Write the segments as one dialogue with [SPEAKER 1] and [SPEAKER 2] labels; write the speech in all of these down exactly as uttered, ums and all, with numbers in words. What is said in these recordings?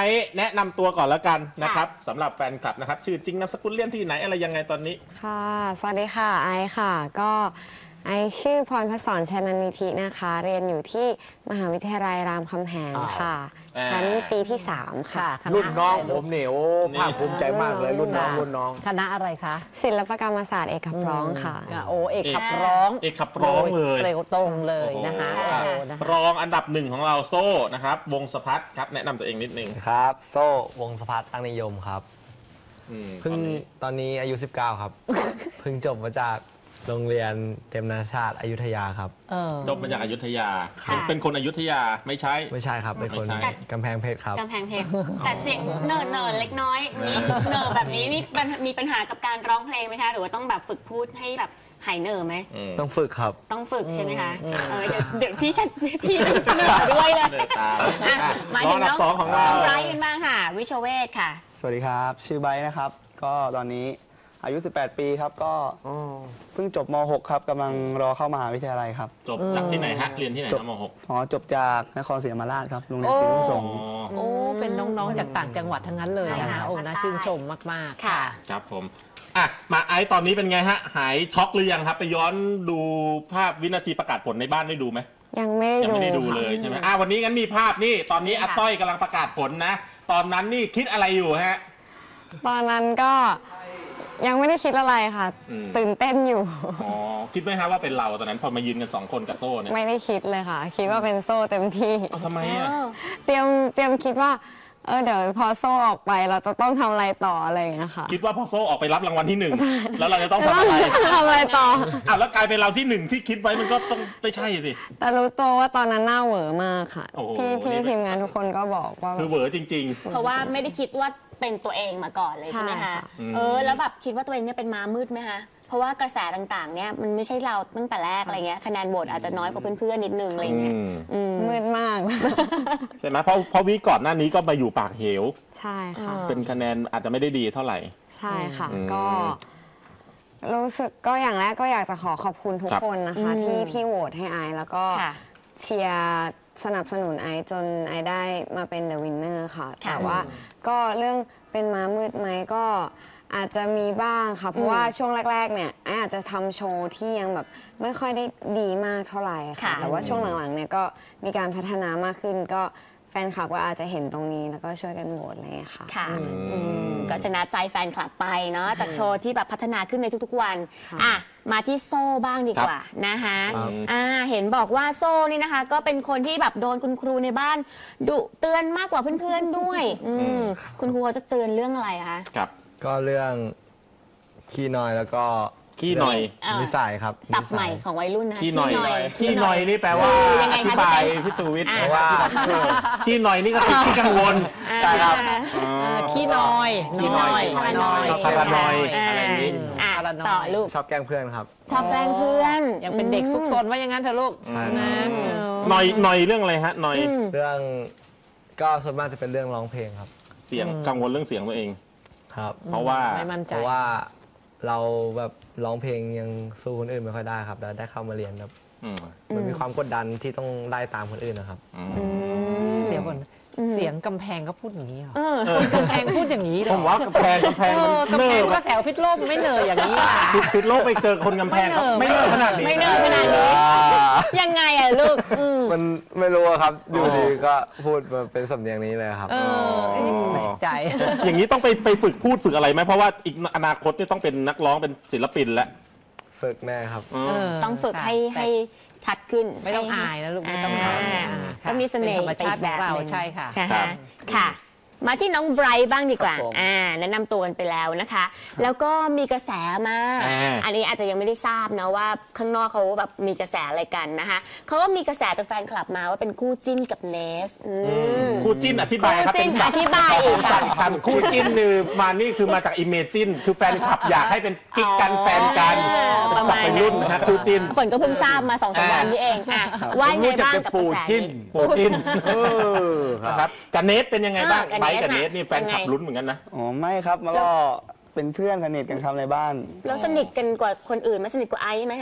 [SPEAKER 1] ไอซ์แนะนำตัวก่อนแล้วกันนะครับสำหรับแฟนคลับนะครับชื่อจริงนามสกุลเรียนที่ไหนอะไรยังไงตอนนี้
[SPEAKER 2] ค่ะสวัสดีค่ะไอซ์ค่ะก็ไอซ์ชื่อพรพศรชนันนิธินะคะเรียนอยู่ที่มหาวิทยาลัยรามคำแหงค่ะชั้นปีที่สามค่ะ
[SPEAKER 3] รุ่นน้องผมเนี่ยโอ้ภาคภูมิใจมากเลยรุ่นน้องรุ่นน้อง
[SPEAKER 4] คณะอะไรคะ
[SPEAKER 2] ศิลปกรรมศาสตร์เอกขับร้องค่ะ
[SPEAKER 4] โอ้เอกขับร้อง
[SPEAKER 1] เอกขับร้องเลย
[SPEAKER 4] เร็วตรงเลยนะคะ
[SPEAKER 1] รองอันดับหนึ่งของเราโซ่นะครับวงสพัฒน์ครับแนะนำตัวเองนิดนึง
[SPEAKER 5] ครับโซ่วงสพัฒน์ตั้งนิยมครับเพิ่งตอนนี้อายุสิบเก้าครับเพิ่งจบมาจากโรงเรียนเตรียมนานาชาติอยุธยาครับ
[SPEAKER 1] จบมาจากอยุธยาเป็นคนอยุธยาไม่ใช่
[SPEAKER 5] ไม่ใช่ครับเป็นคนกำแพงเพชรครับ
[SPEAKER 6] กำแพงเพชรแต่เสียงเนิร์เนิร์เล็กน้อยมีเนิร์แบบนี้มีมีปัญหากับการร้องเพลงไหมคะหรือว่าต้องแบบฝึกพูดให้แบบหายเนิร์ไหม
[SPEAKER 5] ต้องฝึกครับ
[SPEAKER 6] ต้องฝึกใช่ไหมคะเดี๋ยวพี่ชัดพี่เนิร์ด้วยเลยมาถึงน้องสองของเราไบรท์กันบ้างค่ะวิชเวศค่ะ
[SPEAKER 7] สวัสดีครับชื่อไบรท์นะครับก็ตอนนี้อายุสิบแปดปีครับก็เพิ่งจบม หก ครับกำลังรอเข้ามหาวิทยาลัยครับ
[SPEAKER 1] จบจากที่ไหนฮะเรียนที่ไหนม หก
[SPEAKER 7] อ๋อจบจากนครศรีธรรมราชครับโรงเรียนศรีนุ่งสงฆ์
[SPEAKER 4] โอ้เป็นน้องๆจากต่างจังหวัดทั้งนั้นเลยนะคะโอ้น่าชื่นชมมากๆค่ะ
[SPEAKER 1] ครับผมอ่ะมาไอซ์ตอนนี้เป็นไงฮะหายช็อกหรือยังครับไปย้อนดูภาพวินาทีประกาศผลในบ้านได้ดูไหม
[SPEAKER 2] ยังไม่
[SPEAKER 1] ยังไม่ได้ดูเลยใช่ไหมอ่ะวันนี้งั้นมีภาพนี่ตอนนี้อาต้อยกำลังประกาศผลนะตอนนั้นนี่คิดอะไรอยู่ฮะ
[SPEAKER 2] ตอนนั้นก็ยังไม่ได้คิดอะไรค่ะตื่นเต้นอยู่
[SPEAKER 1] อ๋อคิดไหมฮะว่าเป็นเราตอนนั้นพอมายืนกันสองคนกับโซ่เนี่ย
[SPEAKER 2] ไม่ได้คิดเลยค่ะคิดว่าเป็นโซ่เต็มที่
[SPEAKER 1] ทำไมอ่ะ
[SPEAKER 2] เตรียมเตรียมคิดว่าเออเดี๋ยวพอโซ่ออกไปเราจะต้องทำอะไรต่ออะไรอย่างเงี้ยค่ะ
[SPEAKER 1] คิดว่าพอโซ่ออกไปรับรางวัลที่หนึ่งแล้วเราจะต้องทำอะไร
[SPEAKER 2] ทำอะไรต่อ
[SPEAKER 1] อ้าวแล้วกลายเป็นเราที่หนึ่งที่คิดไว้มันก็ต้องไม่ใช่สิ
[SPEAKER 2] แต่รู้ตัวว่าตอนนั้นหน้าเหวอมากค่ะพี่พี่ทีมงานทุกคนก็บอกว่า
[SPEAKER 1] คือเหวอจริง
[SPEAKER 6] ๆเพราะว่าไม่ได้คิดว่าเป็นตัวเองมาก่อนเลยใช่ไหมคะเออแล้วแบบคิดว่าตัวเองเนี่ยเป็นม้ามืดไหมคะเพราะว่ากระแสต่างๆเนี่ยมันไม่ใช่เราตั้งแต่แรกอะไรเงี้ยคะแนนโหวตอาจจะน้อยกว่าเพื่อนๆนิดนึงอะไรเงี้ย
[SPEAKER 2] มืดมาก
[SPEAKER 1] ใช่ไหมเพราะเพราะวิก่อนหน้านี้ก็มาอยู่ปากเหว
[SPEAKER 2] ใช่ค่ะ
[SPEAKER 1] เป็นคะแนนอาจจะไม่ได้ดีเท่าไหร่
[SPEAKER 2] ใช่ค่ะก็รู้สึกก็อย่างแรกก็อยากจะขอขอบคุณทุกคนนะคะที่ที่โหวตให้ไอแล้วก็เชียร์สนับสนุนไอจนไอได้มาเป็น The Winner ค่ะแต่ว่าก็เรื่องเป็นม้ามืดไหมก็อาจจะมีบ้างค่ะเพราะว่าช่วงแรกๆเนี่ยไออาจจะทำโชว์ที่ยังแบบไม่ค่อยได้ดีมากเท่าไหร่ค่ะแต่ว่าช่วงหลังๆเนี่ยก็มีการพัฒนามากขึ้นก็แฟนคลับก็อาจจะเห็นตรงนี้แล้วก็ช่วยกันโหวตอะไรอย่างเงี้ยค่ะ
[SPEAKER 6] ค่ะก็ชนะใจแฟนคลับไปเนาะจากโชว์ที่แบบพัฒนาขึ้นในทุกๆวันอ่ะมาที่โซ่บ้างดีกว่านะคะอ่าเห็นบอกว่าโซ่นี่นะคะก็เป็นคนที่แบบโดนคุณครูในบ้านดุเตือนมากกว่าเพื่อนๆด้วยคุณครูจะเตือนเรื่องอะไรคะ
[SPEAKER 1] ครับ
[SPEAKER 5] ก็เรื่องขี้น้อยแล้วก็
[SPEAKER 1] ขี้หน่อย
[SPEAKER 5] นิสัยครับ
[SPEAKER 6] ศัพท์ใหม่ของวัยรุ่นนะ
[SPEAKER 1] ขี้หน่อยขี้หน่อยนี่แปลว่าอธิบายพี่สุวิทย์เพราะว่าขี้หน่อยนี่ก็คือขี้กังวล
[SPEAKER 4] ใช่ครับขี้น้อย
[SPEAKER 1] ขี้น้อยน้อยพารานอยอะไรนี้
[SPEAKER 6] ต่อลูก
[SPEAKER 5] ชอบแกล้งเพื่อนครับ
[SPEAKER 6] ชอบแกล้งเพื่อน
[SPEAKER 4] ยังเป็นเด็กซุกซนว่าอย่างนั้นเถอะลูกนะ
[SPEAKER 1] หน่อยหน่อยเรื่องอะไรฮะหน่อย
[SPEAKER 5] เรื่องก็ส่วนมากจะเป็นเรื่องร้องเพลงครับ
[SPEAKER 1] เสียงกังวลเรื่องเสียงตัวเอง
[SPEAKER 5] ครับ
[SPEAKER 1] เพราะว่า
[SPEAKER 4] ไม่มั่นใจ
[SPEAKER 5] เพราะว่าเราแบบร้องเพลงยังสู้คนอื่นไม่ค่อยได้ครับแล้วได้เข้ามาเรียนครับมันมีความกดดันที่ต้องไล่ตามคนอื่นนะครับ
[SPEAKER 4] เดี๋ยวก่อนเสียงกำแพงก็พูดอย่างนี้เหรอกำแพงพูดอย่างนี้เหรอ
[SPEAKER 1] ผมว่ากำแพงกำแพง
[SPEAKER 4] กำแพงก็แถวพิษโลกไม่เนยอย่างนี้
[SPEAKER 1] พิษโลกไปเจอคนกำแพงไม่เนยขนาดนี้
[SPEAKER 6] ไม่เนยขนาดนี้ยังไงอ่ะลูก
[SPEAKER 5] มันไม่รู้ครับอยู่ดีก็พูดมาเป็นสำเนียงนี้เลยครับ
[SPEAKER 4] แปลกใจ
[SPEAKER 1] อย่างนี้ต้องไปไปฝึกพูดฝึกอะไรไหมเพราะว่าอีกอนาคตนี่ต้องเป็นนักร้องเป็นศิลปินแล้ว
[SPEAKER 5] ฝึกแน่ครับ
[SPEAKER 6] ต้องฝึกให้ให้ชัดขึ้น
[SPEAKER 4] ไม่ต้องอายนะลูกไม่ต้องอาย
[SPEAKER 6] ต้องมีเสน่ห์
[SPEAKER 4] ธรรมชาติของเราใช่ค่ะ
[SPEAKER 6] ค่ะมาที่น้องไบรท์บ้างดีกว่าอ่าแนะนำตัวกันไปแล้วนะคะแล้วก็มีกระแสมาอันนี้อาจจะยังไม่ได้ทราบนะว่าข้างนอกเขาแบบมีกระแสอะไรกันนะคะเขาก็มีกระแสจากแฟนคลับมาว่าเป็นคู่จิ้นกับเนส
[SPEAKER 1] คู่จิ้นอธิบายครับ
[SPEAKER 6] เป็นอธิบายอีก
[SPEAKER 1] ค่ะคู่จิ้นคือมานี่คือมาจากอิเมจินคือแฟนคลับอยากให้เป็นกิ๊กกันแฟนกันเป็นสับเป็นรุ่นนะฮะคู่จิ้น
[SPEAKER 6] ฝนก็เพิ่งทราบมาสองสามวันนี้เองอ่ะว่าไงบ้างกับกระแส
[SPEAKER 1] นี้ปูจิ้นนะครับกับเนสเป็นยังไงบ้างกับเนสนี่แฟนคลับลุ้นเหมือนกันนะ
[SPEAKER 7] อ๋อไม่ครับแล้วก็เป็นเพื่อนสนิทกันครับในบ้าน
[SPEAKER 6] แล้วสนิทกันกว่าคนอื่นไหมสนิทกว่าไอซ์ไหมฮะ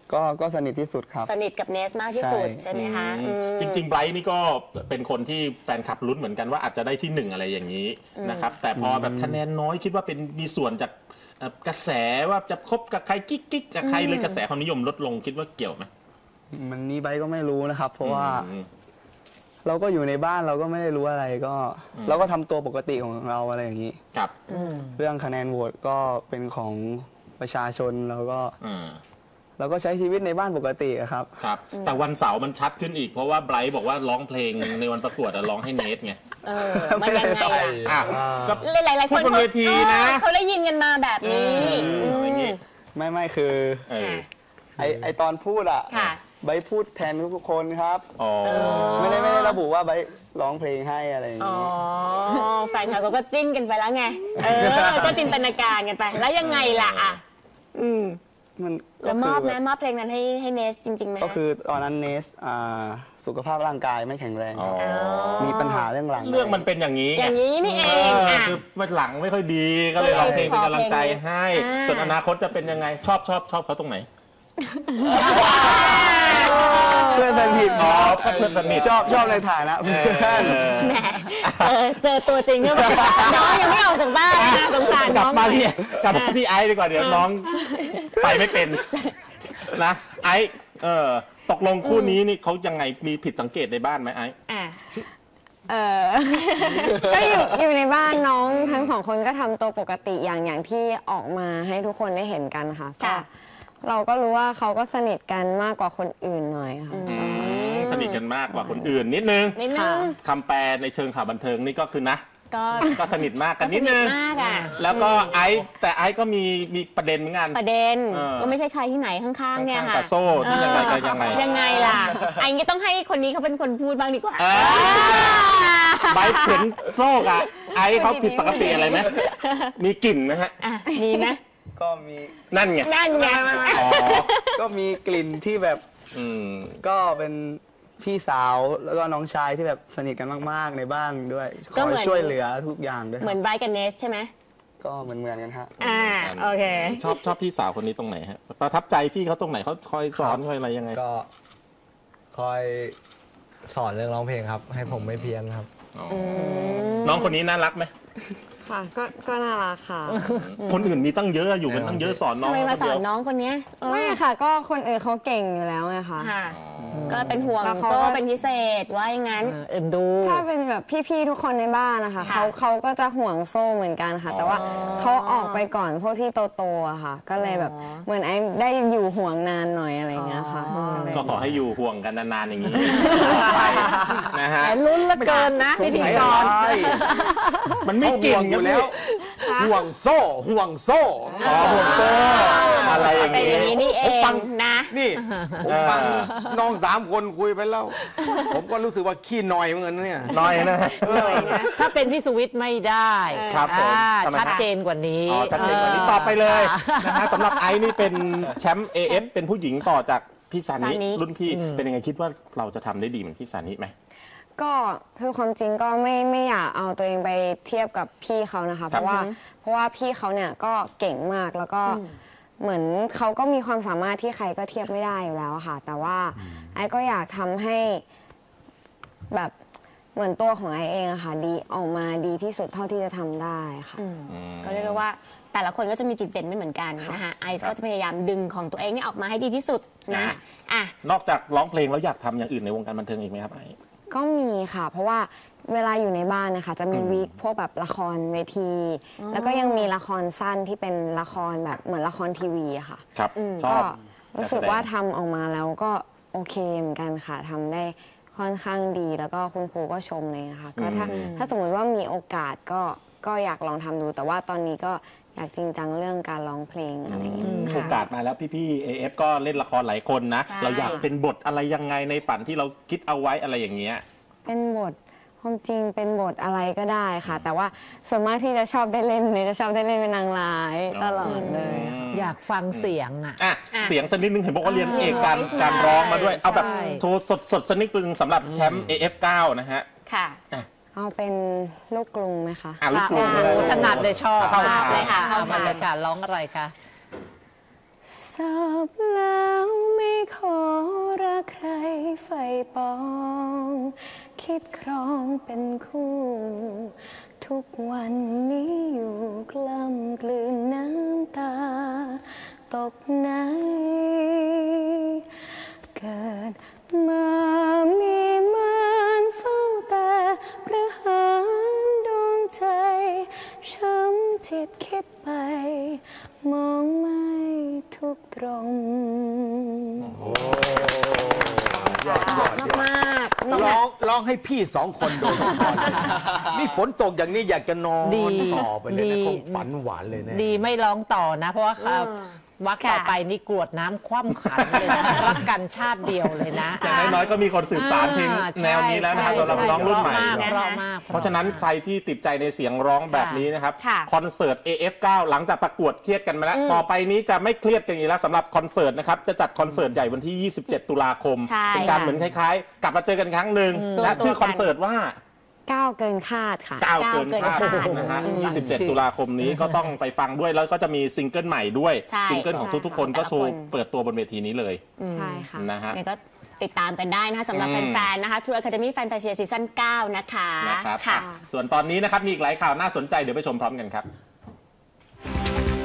[SPEAKER 7] ก็ก็สนิทที่สุดครับ
[SPEAKER 6] สนิทกับเนสมากที่สุด
[SPEAKER 7] ใช่
[SPEAKER 6] ใช่ไหมคะอืม
[SPEAKER 1] จริงๆไบรท์นี่ก็เป็นคนที่แฟนคลับลุ้นเหมือนกันว่าอาจจะได้ที่หนึ่งอะไรอย่างนี้นะครับแต่พอแบบคะแนนน้อยคิดว่าเป็นมีส่วนจากเอ่อกระแสว่าจะคบกับใครกิ๊กกิ๊กกับใครเลยกระแสความนิยมลดลงคิดว่าเกี่ยวไหม
[SPEAKER 7] มันนี้ไบร์ทก็ไม่รู้นะครับ เพราะว่า
[SPEAKER 1] อืม
[SPEAKER 7] เราก็อยู่ในบ้านเราก็ไม่ได้รู้อะไรก็ เราก็ทำตัวปกติของเราอะไรอย่างนี้
[SPEAKER 1] ครับ
[SPEAKER 7] เรื่องคะแนนโหวตก็เป็นของประชาชนแล้วก็
[SPEAKER 1] อืม
[SPEAKER 7] เราก็ใช้ชีวิตในบ้านปกติอะครับ
[SPEAKER 1] ครับแต่วันเสาร์มันชัดขึ้นอีกเพราะว่าไบรท์บอกว่าร้องเพลงในวันประกวดอะร้องให้เนทไง
[SPEAKER 6] เออมันยังไงล่ะ
[SPEAKER 1] อ่ะก็
[SPEAKER 6] หลายๆคน
[SPEAKER 1] พูดบนเวทีนะ
[SPEAKER 6] เออเขาได้ยินกันมาแบบนี้
[SPEAKER 1] เอออย่างงี้
[SPEAKER 7] ไม่ไม่คือ
[SPEAKER 1] เออ
[SPEAKER 7] ไอไอตอนพูดอะ
[SPEAKER 6] ค่ะ
[SPEAKER 7] ไบร์ทพูดแทนทุกๆคนครับ
[SPEAKER 1] อ๋อ
[SPEAKER 7] ไม่ได้ไม่ได้ระบุว่าไบร์ทร้องเพลงให้อะไรอย่าง
[SPEAKER 6] อ๋อ
[SPEAKER 7] นี้
[SPEAKER 6] แฟนคลับเขาก็จิ้นกันไปแล้วไง เออ ก็จินตนาการกันไป แล้วยังไงล่ะอ่ะ อืม
[SPEAKER 7] มันก็
[SPEAKER 6] แล้วม
[SPEAKER 7] คือ
[SPEAKER 6] อบไหม
[SPEAKER 7] แบบ
[SPEAKER 6] มอบเพลงนั้นให้ให้เนสจริงๆไหม
[SPEAKER 7] ก็คือตอนนั้นเนสอ่าสุขภาพร่างกายไม่แข็งแรง
[SPEAKER 1] อ๋อ
[SPEAKER 7] มีปัญหาเรื่องหลัง
[SPEAKER 1] เรื่องมันเป็นอย่างนี้
[SPEAKER 6] อ
[SPEAKER 1] ไง
[SPEAKER 6] ย่างนี้นี่เอ
[SPEAKER 1] เอง อ
[SPEAKER 6] อ่ะ
[SPEAKER 1] คือมันหลังไม่ค่อยดีก็เลยร้องเพลงเป็นกำลังใจให้
[SPEAKER 6] อ่า
[SPEAKER 1] ส่วนอนาคตจะเป็นยังไงชอบชอบชอบเขาตรงไหน
[SPEAKER 7] เพื่อนสนิท
[SPEAKER 1] อ๋อเพื่อนสนิท
[SPEAKER 7] ชอบชอบในฐานะเพื่อน
[SPEAKER 6] แหมเออเจอตัวจริงก็แบบน้องยังไม่ออกจากบ้านนะสงสาร
[SPEAKER 1] กลั
[SPEAKER 6] น้
[SPEAKER 1] บ
[SPEAKER 6] อง
[SPEAKER 1] มาที่กลับมาที่ไอซ์ดีกว่าเดี๋ยวน้องไปไม่เป็นนะไอซ์เออตกลงคู่นี้นี่เขายังไงมีผิดสังเกตในบ้านไหมไอซ์
[SPEAKER 6] อ่ะ
[SPEAKER 2] เออ ก็อยู่อยู่ในบ้านน้องทั้งสองคนก็ทำตัวปกติอย่างอย่างที่ออกมาให้ทุกคนได้เห็นกันค่ะก็
[SPEAKER 6] ค่ะ
[SPEAKER 2] เราก็รู้ว่าเขาก็สนิทกันมากกว่าคนอื่นหน่อยค่ะ
[SPEAKER 1] สนิทกันมากกว่าคนอื่นนิดนึง
[SPEAKER 6] นิดนึง
[SPEAKER 1] คำแปลในเชิงข่าวบันเทิงนี่ก็คือนะ
[SPEAKER 6] ก็
[SPEAKER 1] ก็สนิทมากกัน
[SPEAKER 6] ส
[SPEAKER 1] นิด
[SPEAKER 6] นิ
[SPEAKER 1] นึ
[SPEAKER 6] ท
[SPEAKER 1] ง
[SPEAKER 6] มากอ่ะ
[SPEAKER 1] แล้วก็ไอซ์แต่ไอซ์ก็มีมีประเด็นเหมือนกัน
[SPEAKER 6] ประเด็น
[SPEAKER 1] เออ
[SPEAKER 6] ก็ไม่ใช่ใครที่ไหนข้างๆ เนี่ย
[SPEAKER 1] ข้างๆ
[SPEAKER 6] ค่ะ
[SPEAKER 1] กับโซ่ที่ยังไงก็ยังไง
[SPEAKER 6] ยังไงล่ะไอ้งี้ต้องให้คนนี้เขาเป็นคนพูดบ้างดีกว่า
[SPEAKER 1] เออใบเข็นโซ่กะไอซ์เขาผิดปกติอะไรไหมมีกลิ่นไหมฮะ
[SPEAKER 6] อ่ะมีไหม
[SPEAKER 7] ก็มี
[SPEAKER 1] นั่นไง
[SPEAKER 6] นั่นไง
[SPEAKER 1] อ๋อ
[SPEAKER 7] ก็มีกลิ่นที่แบบ
[SPEAKER 1] อืม
[SPEAKER 7] ก็เป็นพี่สาวแล้วก็น้องชายที่แบบสนิทกันมากๆในบ้านด้วยคอยช่วยเหลือทุกอย่างด้วยค
[SPEAKER 6] เหมื
[SPEAKER 7] รั
[SPEAKER 6] อบ นไบรท์กับเนสใช่ไหม
[SPEAKER 7] ก็เหมือนเหมือนๆกันฮะ
[SPEAKER 6] อ่าโอเค
[SPEAKER 1] ชอบชอบพี่สาวคนนี้ตรงไหนฮะประทับใจพี่เขาตรงไหนเขาคอยสอนคอยอะไรยังไง
[SPEAKER 5] ก็คอยสอนเรื่องร้องเพลงครับ ให้ผมไม่เพี้ยนครับ
[SPEAKER 1] น้องคนนี้น่ารักไหม
[SPEAKER 2] ค่ะก็ก็น่ารักค่ะ
[SPEAKER 1] คนอื่นมีตั้งเยอะอยู่กันตั้งเยอะสอนน้อง
[SPEAKER 6] ทำไมมาสอน
[SPEAKER 1] คเดียว
[SPEAKER 6] น้องคนเนี้ยเออ
[SPEAKER 2] ไม่ค่ะ ก็คนอื่นเขาเก่งอยู่แล้วไงคะ
[SPEAKER 6] ค่ะ ก็เป็นห่วง
[SPEAKER 2] แล้วเขา
[SPEAKER 6] โซ่
[SPEAKER 2] ก็
[SPEAKER 6] เป็นพิเศษว่าอย่างนั้น
[SPEAKER 4] เออเอ็นดู
[SPEAKER 2] ถ้าเป็นแบบพี่ๆทุกคนในบ้านนะคะ
[SPEAKER 6] ค่ะ
[SPEAKER 2] เขาเขาก็จะห่วงโซ่เหมือนกันค่ะ แต่ว่าเขาออกไปก่อนพวกที่โตๆอะค่ะ ก็เลยแบบ
[SPEAKER 6] อ๋อ
[SPEAKER 2] เหมือนไอ้ได้อยู่ห่วงนานหน่อยอะไรอย่างเงี้ยค่ะ
[SPEAKER 6] อ๋อ
[SPEAKER 2] ก็เลย
[SPEAKER 1] ก็ขอให้อยู่ห่วงกันนานๆอย่างนี้ไปนะฮะ
[SPEAKER 4] แต่ลุ้นเหละเกินนะพิธีกร
[SPEAKER 1] มันไม่
[SPEAKER 3] เขา
[SPEAKER 1] เก่
[SPEAKER 3] ห่ว
[SPEAKER 1] ง
[SPEAKER 3] งอยู่
[SPEAKER 1] กัน
[SPEAKER 3] แล้
[SPEAKER 1] แล้ว ว
[SPEAKER 3] ห่วงโซ่ห่วงโซ่
[SPEAKER 1] อ๋อห่วงโซ่อะไรอย่าง
[SPEAKER 6] เป็น
[SPEAKER 1] นี้
[SPEAKER 6] อย่างนี้นี่เอ
[SPEAKER 3] ผมฟั
[SPEAKER 6] ง
[SPEAKER 3] ง
[SPEAKER 6] นะ
[SPEAKER 3] นี่ผมฟังน้องสามคนคุยไปแล้ว ผมก็รู้สึกว่าขี้หน่อยเหมือนกันเนี่ย
[SPEAKER 1] น้อยนะ
[SPEAKER 6] เลยนะ
[SPEAKER 4] ถ้าเป็นพี่สุวิทย์ไม่ได้
[SPEAKER 1] ครับผม
[SPEAKER 4] อ่า
[SPEAKER 1] ทำไมครับ
[SPEAKER 4] ชัดเจนกว่านี้
[SPEAKER 1] อ๋อชัดเจนกว่านี้ต่อไปเลยนะฮะสำหรับไอซ์นี่เป็นแชมป์ เอ เอฟ เป็นผู้หญิงต่อจากพี่ซานิ
[SPEAKER 6] ซานิ
[SPEAKER 1] รุ่นพี่เป็นยังไงคิดว่าเราจะทำได้ดีเหมือนพี่ซานิไหม
[SPEAKER 2] ก็คือความจริงก็ไม่ไม่อยากเอาตัวเองไปเทียบกับพี่เขานะคะ เพราะว่าเพราะว่าพี่เขาเนี่ยก็เก่งมากแล้วก็เหมือนเขาก็มีความสามารถที่ใครก็เทียบไม่ได้อยู่แล้วค่ะ แต่ว่าไอ้ก็อยากทำให้แบบเหมือนตัวของไอ้เองอะค่ะดีออกมาดีที่สุดเท่าที่จะทำได้ค่ะ
[SPEAKER 6] ก็เรียกได้ว่าแต่ละคนก็จะมีจุดเด่นไม่เหมือนกันนะคะไอซ์ก็จะพยายามดึงของตัวเองนี่ออกมาให้ดีที่สุดนะอ่ะ
[SPEAKER 1] นอกจากร้องเพลงแล้วอยากทำอย่างอื่นในวงการบันเทิงอีกไหมครับไอซ์
[SPEAKER 2] ก็มีค่ะ เพราะว่าเวลาอยู่ในบ้านนะคะจะมีวีคพวกแบบละครเวที แล้วก็ยังมีละครสั้นที่เป็นละครแบบเหมือนละครทีวีอะค่ะ
[SPEAKER 1] ครับชอ
[SPEAKER 2] ก็
[SPEAKER 1] บ
[SPEAKER 2] รู้สึกว่าทำออกมาแล้วก็โอเคเหมือนกันค่ะทำได้ค่อนข้างดีแล้วก็คุณครูก็ชมเลยนะคะก็ถ้าถ้าสมมติว่ามีโอกาสก็ก็อยากลองทำดู แต่ว่าตอนนี้ก็อยากจริงจังเรื่องการร้องเพลงอะไรอย่างเงี้ย
[SPEAKER 1] โอกาสมาแล้วพี่ๆ เอ เอฟ ก็เล่นละครหลายคนนะ
[SPEAKER 6] ใช่
[SPEAKER 1] เราอยากเป็นบทอะไรยังไงในฝันที่เราคิดเอาไว้อะไรอย่างเงี้ย
[SPEAKER 2] เป็นบทความจริงเป็นบทอะไรก็ได้ค่ะ แต่ว่าส่วนมากที่จะชอบได้เล่นเนี่ยจะชอบได้เล่นเป็นนางร้ายตลอดเลยค่ะ
[SPEAKER 4] อยากฟังเสียงอ่ะ
[SPEAKER 1] อ่ะ
[SPEAKER 6] อ่ะ
[SPEAKER 1] เสียงสักนิดนึงเห็นบอกว่าเรียนเอกการ
[SPEAKER 6] ใช่
[SPEAKER 1] การร้องมาด้วย เอาแบบ
[SPEAKER 4] ใช่
[SPEAKER 1] โชว์สดสดสักนิดนึงสำหรับแชมป์ เอ เอฟ เก้า นะฮะ
[SPEAKER 6] ค่ะ
[SPEAKER 2] เอาเป็นลูกกรุงไหมคะ
[SPEAKER 1] อ่ะลูกกรุง
[SPEAKER 4] โอ้โหถนัดเลยชอบ
[SPEAKER 1] เข้าม
[SPEAKER 4] ากเลยค่ะ
[SPEAKER 6] เข้า
[SPEAKER 4] เอา
[SPEAKER 6] มา
[SPEAKER 4] มาเลยค่ะร้องอะไรคะ
[SPEAKER 2] สับแล้วไม่ขอรักใครไฟปอง คิดครองเป็นคู่ ทุกวันนี้อยู่กล้ำกลืนน้ำตา ตกไหนเกิดมามีมันเฝ้าแต่ประหารดวงใจช้ำจิตคิดไป มองไม่ทุกตรง
[SPEAKER 3] ยอดยอด
[SPEAKER 6] มากๆ
[SPEAKER 3] ร้องร้องให้พี่สองคนโดยเฉพาะเลยนี่ฝนตกอย่างนี้อยากจะนอน
[SPEAKER 4] ดี
[SPEAKER 3] ต่อไปเลย
[SPEAKER 4] ดี
[SPEAKER 3] นะคงฝันหวานเลยนะ
[SPEAKER 4] ดีไม่ร้องต่อนะ เพราะว่าครับ
[SPEAKER 6] เออ
[SPEAKER 4] วักต่อไปนี่กรวดน้ำคว่ำขันเลยนะ รักกันชาติเดียวเลยนะ
[SPEAKER 1] อย่างน้อยๆก็มีคนสืบสานเพลง
[SPEAKER 4] อ่า
[SPEAKER 1] แนวนี้แล้วนะครับ
[SPEAKER 4] ใช่
[SPEAKER 1] สำหรับน้องรุ่นใหม่
[SPEAKER 4] เพราะมากเพราะมาก
[SPEAKER 1] เพราะฉะนั้นใครที่ติดใจในเสียงร้องแบบนี้นะครับ
[SPEAKER 6] ค่ะ
[SPEAKER 1] คอนเสิร์ต เอ เอฟ เก้า หลังจากประกวดเครียดกันมาแล้ว ต่อไปนี้จะไม่เครียดกันอีกแล้วสำหรับคอนเสิร์ตนะครับ จะจัดคอนเสิร์ตใหญ่วันที่ ยี่สิบเจ็ด ตุลาคม
[SPEAKER 6] ใช่
[SPEAKER 1] เป็นการ
[SPEAKER 6] ค่ะ
[SPEAKER 1] เหมือนคล้ายๆ กลับมาเจอกันครั้งหนึ่งและ
[SPEAKER 6] รวมตัว
[SPEAKER 1] ชื่อคอนเสิร์ตว่า
[SPEAKER 2] ก้าวเกินคาดค่ะ
[SPEAKER 1] ก้าวเกินคาด
[SPEAKER 6] ก้าวเกินคาด
[SPEAKER 1] นะฮะ
[SPEAKER 4] อืม
[SPEAKER 1] ยี่สิบเจ็ด ตุลาคมนี้ก็ต้องไปฟังด้วย แล้วก็จะมีซิงเกิลใหม่ด้วย
[SPEAKER 6] ใช่
[SPEAKER 1] ซิงเกิลของทุกๆคนก็โชว์เปิดตัวบนเวทีนี้เลย
[SPEAKER 2] ใช่ค่ะ
[SPEAKER 1] นะฮะ
[SPEAKER 6] เนี่ยก็ติดตามกันได้นะคะสำหรับ
[SPEAKER 1] อืม
[SPEAKER 6] แฟนๆ นะคะ True Academy Fantasia Season เก้า นะคะ
[SPEAKER 1] นะครับ
[SPEAKER 6] ค่ะ
[SPEAKER 1] ส่วนตอนนี้นะครับมีอีกหลายข่าวน่าสนใจเดี๋ยวไปชมพร้อมกันครับ